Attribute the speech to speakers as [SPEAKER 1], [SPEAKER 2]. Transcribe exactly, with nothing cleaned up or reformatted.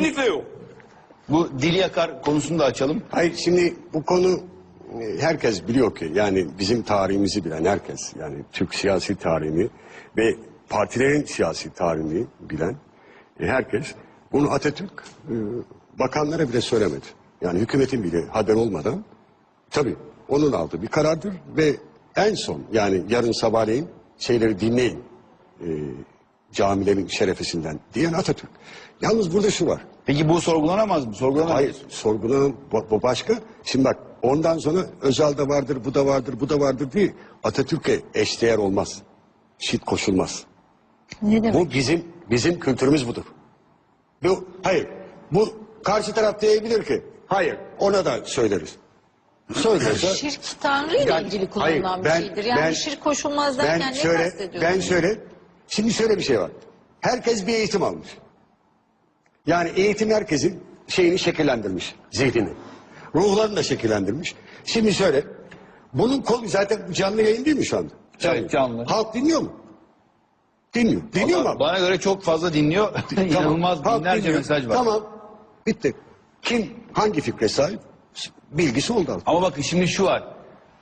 [SPEAKER 1] Kesinlikle yok.
[SPEAKER 2] Bu dili yakar konusunu da açalım.
[SPEAKER 3] Hayır, şimdi bu konu e, herkes biliyor ki, yani bizim tarihimizi bilen herkes, yani Türk siyasi tarihini ve partilerin siyasi tarihini bilen e, herkes bunu Atatürk e, bakanlara bile söylemedi. Yani hükümetin bile haber olmadan, tabii onun aldığı bir karardır ve en son, yani yarın sabahleyin şeyleri dinleyin e, camilerin şerefesinden diyen Atatürk. Yalnız burada şu var.
[SPEAKER 2] Peki bu sorgulanamaz mı? Sorgulanamaz.
[SPEAKER 3] Hayır, sorgulanan bu, bu başka. Şimdi bak, ondan sonra Özal'da vardır, bu da vardır, bu da vardır diye Atatürk'e eşdeğer olmaz. Şit koşulmaz.
[SPEAKER 4] Ne demek?
[SPEAKER 3] Bu bizim bizim kültürümüz budur. Bu, hayır, bu karşı taraf diyebilir ki, hayır, ona da söyleriz. Söylerse,
[SPEAKER 4] Şirk Tanrı ile
[SPEAKER 3] Yani-
[SPEAKER 4] ilgili kullanılan
[SPEAKER 3] hayır,
[SPEAKER 4] bir
[SPEAKER 3] ben-
[SPEAKER 4] şeydir. Yani
[SPEAKER 3] ben-
[SPEAKER 4] şirk koşulmaz derken
[SPEAKER 3] ben
[SPEAKER 4] ne
[SPEAKER 3] şöyle,
[SPEAKER 4] kastediyorsun?
[SPEAKER 3] ben şöyle, şimdi şöyle bir şey var. Herkes bir eğitim almış. Yani eğitim herkesin şeyini şekillendirmiş, zihnini. Ruhlarını da şekillendirmiş. Şimdi şöyle, bunun konu zaten canlı yayın değil mi şu anda?
[SPEAKER 2] Evet, canlı.
[SPEAKER 3] Halk dinliyor mu? Dinliyor. Dinliyor mu
[SPEAKER 2] Bana,
[SPEAKER 3] abi?
[SPEAKER 2] bana göre çok fazla dinliyor. İnanılmaz
[SPEAKER 3] Halk
[SPEAKER 2] binlerce
[SPEAKER 3] dinliyor.
[SPEAKER 2] mesaj var.
[SPEAKER 3] Tamam, bitti. Kim hangi fikre sahip? Bilgisi oldu halk.
[SPEAKER 2] Ama bakın şimdi şu var.